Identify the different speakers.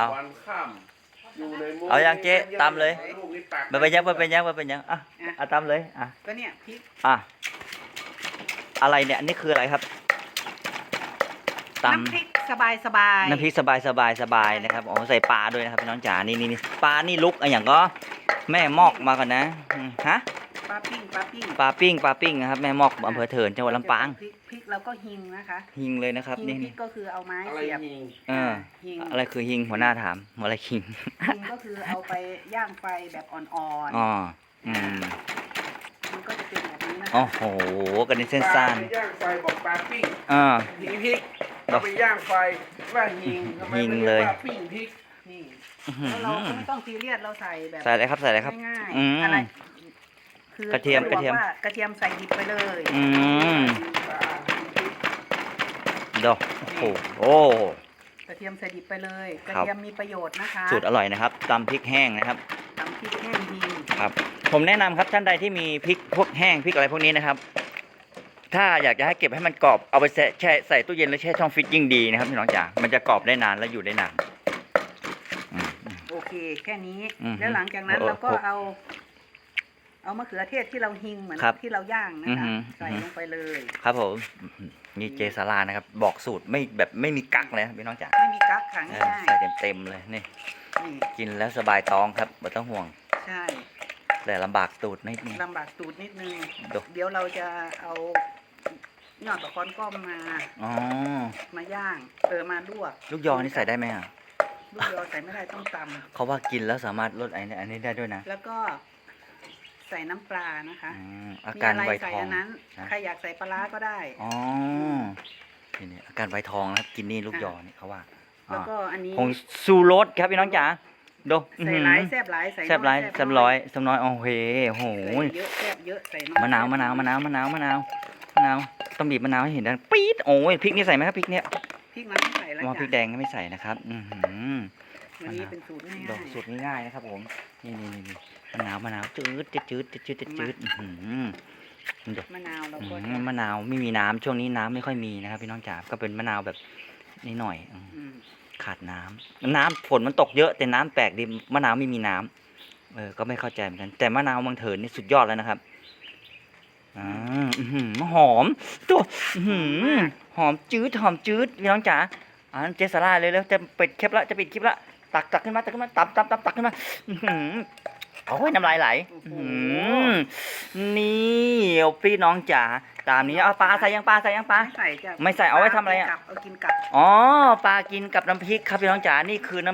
Speaker 1: เอา
Speaker 2: วันข้ามอยู่ในมุ้ง
Speaker 1: เอายังเจ๊ตามเลย
Speaker 2: ลูกนี่ตัก
Speaker 1: มันเป็นยังมันเป็นยังมันเป็นยังอ่ะอ่ะตามเลยอ่ะ
Speaker 3: ก็เนี่ยพริก
Speaker 1: อ่ะอะไรเนี่ยอันนี้คืออะไรครับตำ
Speaker 3: น้ำพริกสบายสบาย
Speaker 1: น้ำพริกสบายสบายสบายนะครับอ๋อใส่ปลาด้วยนะครับพี่น้องจ๋านี่ปลานี่ลุกอะไรอย่างก็แม่มอกมาก่อนนะฮะ
Speaker 3: ปลาปิ้งปลาปิ้ง
Speaker 1: ปลาปิ้งนะครับแม่มอกอำเภอเถินจังหวัดลำปาง
Speaker 3: พริกแล้วก็หิงนะคะ
Speaker 1: หิงเลยนะครับ
Speaker 3: หิง
Speaker 1: นี่
Speaker 3: พริกก็คือเอาไม้
Speaker 2: อะไร
Speaker 3: เสียบ
Speaker 2: ยิง
Speaker 3: หิง
Speaker 1: อะไรคือหิงหัวหน้าถามอะไรหิง
Speaker 3: หิงก็คือเอาไปย่างไฟแบบอ่อน
Speaker 1: อ๋อ
Speaker 3: ๆมันก็จะเป็นแบบนี้นะ
Speaker 1: โอ้
Speaker 3: คะ
Speaker 1: โหกันในเส้น
Speaker 2: ปลา
Speaker 1: สั้น
Speaker 2: ไปย่างไฟบอกปลาปิ้ง
Speaker 1: อ่า
Speaker 2: หิงพริกเราไปย่างไฟว่าหิงทำไม
Speaker 1: หิง
Speaker 2: ไม่
Speaker 1: เล
Speaker 2: เรีย
Speaker 1: ย
Speaker 2: กว่าปิ้งพริก
Speaker 3: นี่
Speaker 1: อื้อหือ
Speaker 3: แล้วเราก็ไม่ต้องซีเรียสเราใส่แบบ
Speaker 1: ใส่อะไรครับใส่อะไรครับ
Speaker 3: ง่าย
Speaker 1: อืม
Speaker 3: ๆอะไรคือก
Speaker 1: ระเทียม
Speaker 3: บอกว่ากระเทียมใส่ดิบไปเลย
Speaker 1: อืม
Speaker 2: ปลาหิงพริก
Speaker 1: ดอกโอ้โหโอ้
Speaker 3: กระเทียมใส่ดิบไปเลยกระ
Speaker 1: ครับ
Speaker 3: เทียมมีประโยชน์นะคะ
Speaker 1: สูตรอร่อยนะครับตำพริกแห้งนะครับ
Speaker 3: ตำพริกแห้งหิง
Speaker 1: ครับ ผมแนะนำครับท่านใดที่มีพริกพวกแห้งพริกอะไรพวกนี้นะครับ ถ้าอยากจะให้เก็บให้มันกรอบเอาไปแช่ใส่ตู้เย็นแล้วแช่ช่องฟรีซยิ่งดีนะครับพี่น้องจ๋ามันจะกรอบได้นานและอยู่ได้นานอืม
Speaker 3: โอเคแค่นี้
Speaker 1: อืม
Speaker 3: แล้วหลังจากนั้น
Speaker 1: โอ้
Speaker 3: เราก็
Speaker 1: โอ้
Speaker 3: เอามะเขือเทศที่เราหิงเหมือน
Speaker 1: ครับ
Speaker 3: ที่เราย่างนะ
Speaker 1: อือ
Speaker 3: คะ
Speaker 1: หือ
Speaker 3: ใส่ลงไปเลย
Speaker 1: ครับผมนี่เจสารานะครับ บอกสูตรไม่แบบไม่มีกักเลยครับพี่น้องจ๋า
Speaker 3: ไม่มีกั๊กขัง
Speaker 1: เออ
Speaker 3: ง่าย
Speaker 1: ใส่เต็มเลยนี่
Speaker 3: นี่
Speaker 1: กินแล้วสบายท้องครับไม่ต้องห่วง
Speaker 3: ใช่
Speaker 1: แต่ลำบากตูดนิดนึง
Speaker 3: ลำบากตูดนิดนึง
Speaker 1: ดู
Speaker 3: เดี๋ยวเราจะเอายอดตะคอนก้อมมา
Speaker 1: อ๋อ
Speaker 3: มาย่างมาลวก
Speaker 1: ลูกยอนี่ใส่ได้ไหมอ่ะ
Speaker 3: ลูกยอใส่ไม่ได้ต้องต
Speaker 1: เขาว่ากินแล้วสามารถลดอันนี้ได้ด้วยนะ
Speaker 3: ำแล้วก็ใส่น้ำปลานะคะ
Speaker 1: อืมอา
Speaker 3: มี
Speaker 1: การ
Speaker 3: อะไร
Speaker 1: ไว
Speaker 3: ใส่
Speaker 1: ทอง
Speaker 3: อันนั้น
Speaker 1: นะ
Speaker 3: ใครอยากใส่ปลาร้าก็ได้
Speaker 1: อ๋อนี่อาการไวทองนะครับกินนี่ลูกยอนี่เขาว่า
Speaker 3: แล้วก็อันนี้
Speaker 1: ผงซูรสครับพี่น้องจ๋าดู
Speaker 3: ใส่หลายแซ่บหลายใส่
Speaker 1: แซ่บไร
Speaker 3: น้อย
Speaker 1: แซ่บร้อยแซ่บน้อยโอ้โหโอ้โห
Speaker 3: ใส่เยอะแซ่บเยอะใส่น้อย
Speaker 1: มะนาวต้องบีบมะนาวให้เห็นดังปี๊ดโอ้ยพริกนี่ใส่ไหมครับพริกเนี้ย
Speaker 3: พริกนั้นไม่ใส่แล้ว
Speaker 1: ว่าพริก
Speaker 3: จ้ะ
Speaker 1: แดงก็ไม่ใส่นะครับ
Speaker 3: วันนี้เป็นสูตรง่าย
Speaker 1: ดอกสูตรง่ายๆนะครับผมนี่มะนาวจืดดู
Speaker 3: ๆมะนาวเราก็
Speaker 1: มะนาวไม่มีน้ำช่วงนี้น้ำไม่ค่อยมีนะครับพี่น้องจ๋าก็เป็นมะนาวแบบนิดหน่อย
Speaker 3: อืม
Speaker 1: ขาดน้ำฝนมันตกเยอะแต่น้ำแปลกดิมะนาวไม่มีน้ำก็ไม่เข้าใจเหมือนกันแต่มะนาวเมืองเถินนี่สุดยอดแล้วนะครับหอมตัวหอมจืดพี่น้องจ๋าเจสาร่าเลยแล้วจะปิดคลิปละจะปิดคลิปละตักขึ้นมาตักขึ้นมาโอ้ยน้ำลายไหลนี่พี่น้องจ๋าตามนี้เอาปลาใส่ยังปลา
Speaker 3: ไม่ใส่จ้ะ
Speaker 1: ไม่ใส่เอาไว้ทำอะไรอะ
Speaker 3: เอากินกับ
Speaker 1: อ๋อปลากินกับน้ำพริกครับพี่น้องจ๋านี่คือน้ำ